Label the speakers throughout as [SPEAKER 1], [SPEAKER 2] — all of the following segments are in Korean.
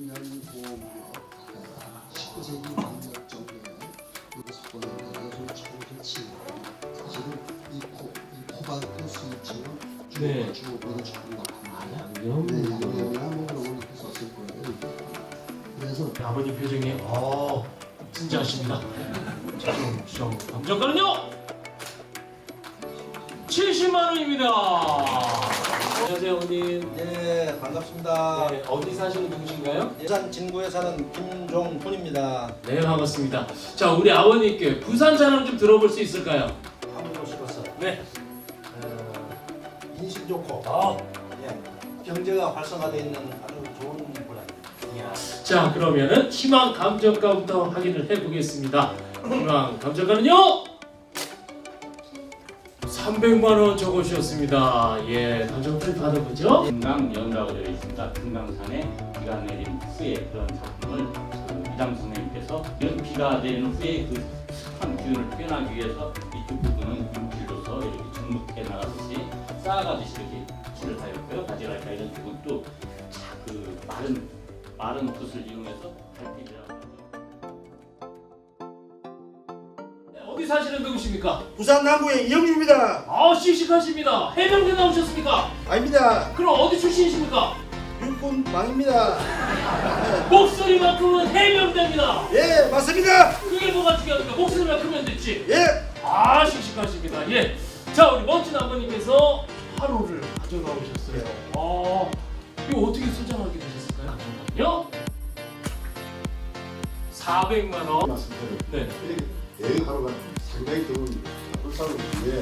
[SPEAKER 1] 인간보험법 19세기 막역 정도에 속보는데 참 좋지. 사실은 이 코발트 수입처럼 주어보다 조금 높은 양념이나 뭐 그런 걸 이렇게 썼을 거예요. 그래서
[SPEAKER 2] 아버님 표정이 진지하십니다. 좀 감정가는요 70만 원입니다. 안녕하세요, 어머님.
[SPEAKER 3] 네, 반갑습니다.
[SPEAKER 2] 네, 어디 사시는 누구신가요?
[SPEAKER 3] 예산 진구에 사는 김종훈입니다.
[SPEAKER 2] 네, 반갑습니다. 자, 우리 아버님께 부산 자랑 좀 들어볼 수 있을까요?
[SPEAKER 3] 한분으로서
[SPEAKER 2] 네.
[SPEAKER 3] 인심 좋고 예, 경제가 활성화되어 있는 아주 좋은 분야입니다.
[SPEAKER 2] 자, 그러면은 희망 감정가부터 확인을 해보겠습니다. 희망 감정가는요 300만 원 적어주셨습니다. 예, 감정가를 받아보죠.
[SPEAKER 4] 금강연이라고 되어 있습니다. 금강산에 비가 내린 후에 그런 작품을 이장 선생님께서 이런 비가 내리는 후에 그 습한 기운을 표현하기 위해서 이쪽 부분은 윤필로서 이렇게 정묵해 나가듯이 쌓아가듯이 이렇게 칠을 하였고요. 바지랄까 이런 부분도 그 마른 붓을 이용해서 달빛이라고 하죠.
[SPEAKER 2] 어디 사시는 누구십니까?
[SPEAKER 3] 부산 남구의 이영민입니다.
[SPEAKER 2] 씩씩하십니다. 해병대 나오셨습니까?
[SPEAKER 3] 아닙니다.
[SPEAKER 2] 그럼 어디 출신이십니까?
[SPEAKER 3] 육군 망입니다.
[SPEAKER 2] 목소리만큼은 해병대입니다.
[SPEAKER 3] 예, 맞습니다.
[SPEAKER 2] 그게 뭐가 중요합니까? 목소리만 크면 됐지.
[SPEAKER 3] 예,
[SPEAKER 2] 씩씩하십니다. 예. 자, 우리 멋진 아버님께서 화로를 가져가 오셨어요. 이거 어떻게 소장하게 되셨을까요? 요 400만 원.
[SPEAKER 5] 말씀드려요.
[SPEAKER 2] 네.
[SPEAKER 5] 여행하러가 상당히 좋은 불사를 위해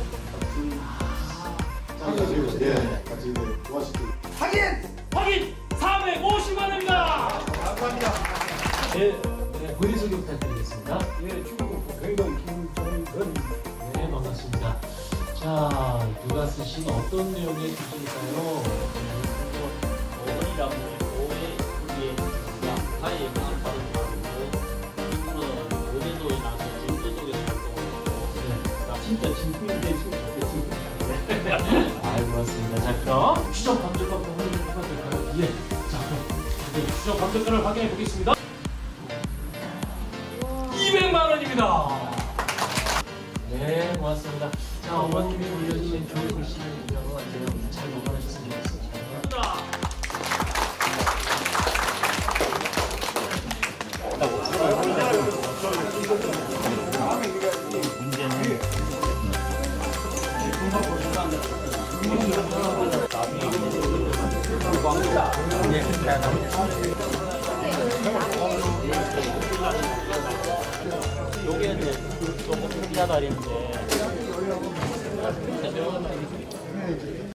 [SPEAKER 5] 같은 같이 도와주시고
[SPEAKER 2] 확인 450만 원입니다.
[SPEAKER 3] 감사합니다.
[SPEAKER 2] 네, 본인 소개 부탁드리겠습니다.
[SPEAKER 6] 예, 중국 굉장히 김종근.
[SPEAKER 2] 네, 반갑습니다. 자, 누가 쓰신 어떤 내용의 글일까요?
[SPEAKER 4] 어머니라고 오해 우리의 양파의 것을 받은 바람으로 이분은 고대도에 나서 제주도 쪽에서 활동을 했고 진짜 진품인데 좋겠습니다.
[SPEAKER 2] 고맙습니다. 자, 그럼 추적 감정가부터 확인해봐도 될까요? 예. 자, 그럼 추적 감정가를 확인해 보겠습니다. 200만 원입니다. 네, 고맙습니다. 자, 어머님이 올려주신 좋은 글씨를 유명한 것 같아요. 잘 보관하셨으면 좋겠습니다.
[SPEAKER 4] 요게 이제 조금 비싸다리인데